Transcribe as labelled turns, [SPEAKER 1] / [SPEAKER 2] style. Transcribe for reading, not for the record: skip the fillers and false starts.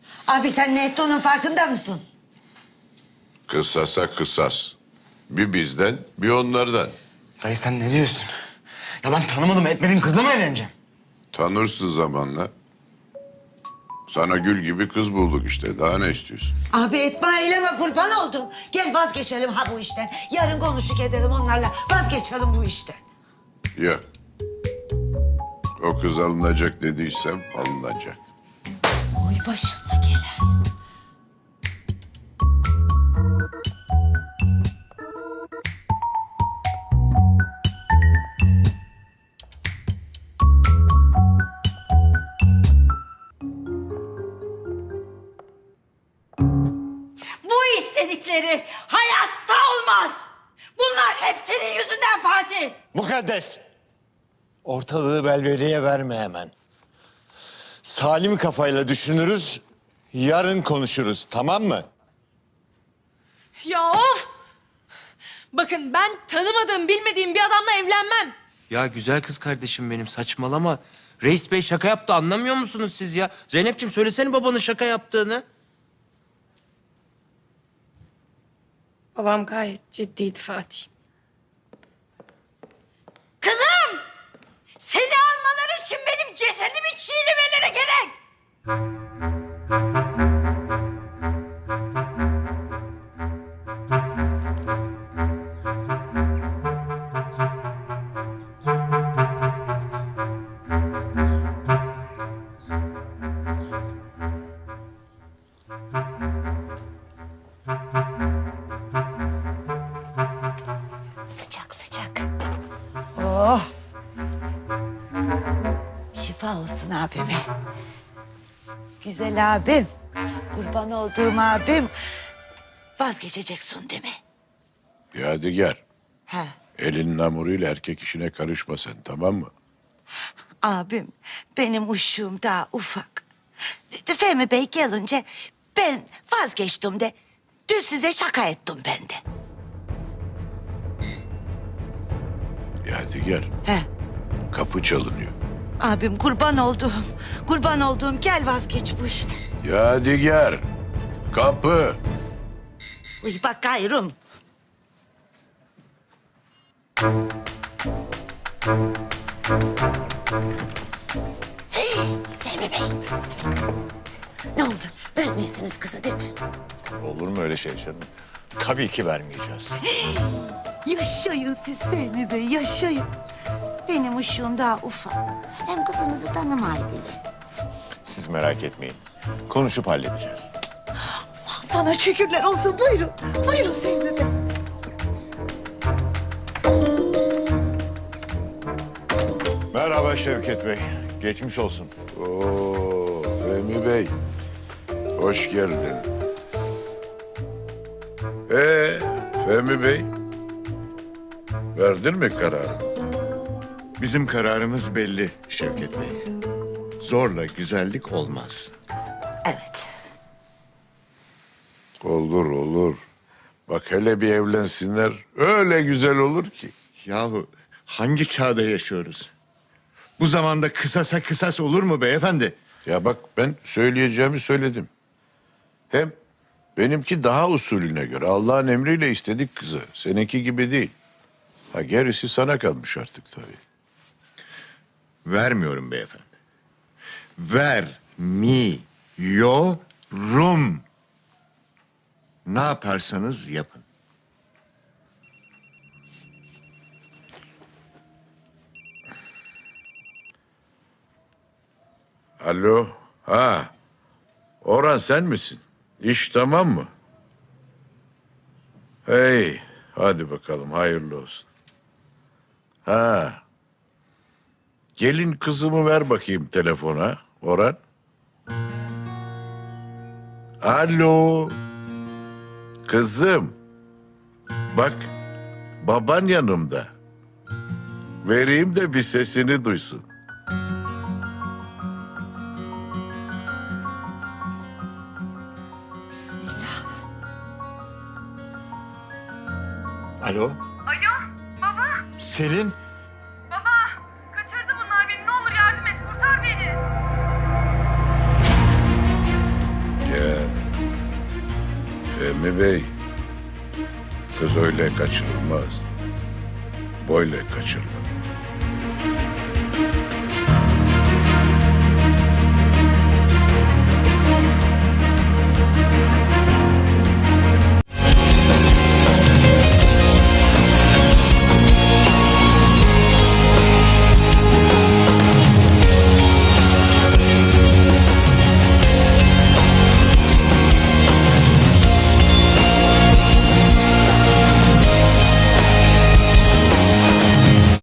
[SPEAKER 1] Abi sen ne ettiğinin farkında mısın?
[SPEAKER 2] Kısasa kısas. Bir bizden, bir onlardan.
[SPEAKER 3] Dayı sen ne diyorsun? Ya ben tanımadım etmediğim kızla mı evleneceğim?
[SPEAKER 2] Tanırsın zamanla. Sana gül gibi kız bulduk işte. Daha ne istiyorsun?
[SPEAKER 1] Abi etme eyleme kurban oldum. Gel vazgeçelim ha bu işten. Yarın konuşuk edelim onlarla. Vazgeçelim bu işten.
[SPEAKER 2] Yok. O kız alınacak dediysem alınacak.
[SPEAKER 1] Oy başıma gelen.
[SPEAKER 4] Bu istedikleri hayatta olmaz. Bunlar hep senin yüzünden Fatih.
[SPEAKER 5] Mukaddes. Ortalığı velveleye verme hemen. Salim kafayla düşünürüz, yarın konuşuruz, tamam mı?
[SPEAKER 6] Ya of! Bakın ben tanımadığım, bilmediğim bir adamla evlenmem.
[SPEAKER 7] Ya güzel kız kardeşim benim saçmalama. Reis Bey şaka yaptı anlamıyor musunuz siz ya? Zeynep'ciğim söylesene babanın şaka yaptığını.
[SPEAKER 6] Babam gayet ciddiydi Fatih.
[SPEAKER 4] Kızım! Seni almaları için benim cesedimi çiğnemeleri gerek.
[SPEAKER 1] Sıcak sıcak. Oh. Şifa olsun abime. Güzel abim. Kurban olduğum abim. Vazgeçeceksin değil mi?
[SPEAKER 2] Yadigar,
[SPEAKER 1] He.
[SPEAKER 2] elinin hamuruyla erkek işine karışma sen, tamam mı?
[SPEAKER 1] Abim benim uşum daha ufak. Fehmi Bey gelince ben vazgeçtim de dün size şaka ettim ben de.
[SPEAKER 2] Yadigar,
[SPEAKER 1] He.
[SPEAKER 2] kapı çalınıyor.
[SPEAKER 1] Abim kurban olduğum gel vazgeç bu işten.
[SPEAKER 2] Yadigar, kapı.
[SPEAKER 1] Uy bakıyorum. Hey, Fehmi Bey. Ne oldu? Vermeyesiniz kızı değil mi?
[SPEAKER 5] Olur mu öyle şey canım? Tabii ki vermeyeceğiz.
[SPEAKER 1] Yaşayın siz Fehmi Bey, yaşayın. Benim uşum daha ufak. Hem kızınızı tanımayı bile.
[SPEAKER 5] Siz merak etmeyin. Konuşup halledeceğiz.
[SPEAKER 1] Sana şükürler olsun. Buyurun. Buyurun Fehmi Bey.
[SPEAKER 5] Merhaba Şevket Bey. Geçmiş olsun.
[SPEAKER 2] Oo, Fehmi Bey, hoş geldin. Fehmi Bey, verdin mi kararı?
[SPEAKER 5] Bizim kararımız belli Şevket Bey. Zorla güzellik olmaz.
[SPEAKER 1] Evet.
[SPEAKER 2] Olur, olur. Bak hele bir evlensinler, öyle güzel olur ki.
[SPEAKER 5] Yahu hangi çağda yaşıyoruz? Bu zamanda kısasa kısas olur mu beyefendi?
[SPEAKER 2] Ya bak ben söyleyeceğimi söyledim. Hem benimki daha usulüne göre Allah'ın emriyle istedik kızı. Seninki gibi değil. Ha gerisi sana kalmış artık tabii.
[SPEAKER 5] Vermiyorum beyefendi. Vermiyorum. Ne yaparsanız yapın.
[SPEAKER 2] Alo, ha. Orhan sen misin? İş tamam mı? Hey, hadi bakalım hayırlı olsun. Ha. Gelin kızımı ver bakayım telefona, Orhan. Alo. Kızım. Bak, baban yanımda. Vereyim de bir sesini duysun.
[SPEAKER 1] Bismillah.
[SPEAKER 5] Alo,
[SPEAKER 6] Alo baba,
[SPEAKER 5] Selin.
[SPEAKER 6] baba. Kaçırdı bunlar beni. Ne olur yardım et, kurtar beni.
[SPEAKER 2] Fehmi Bey, kız öyle kaçırılmaz. Böyle kaçırılır.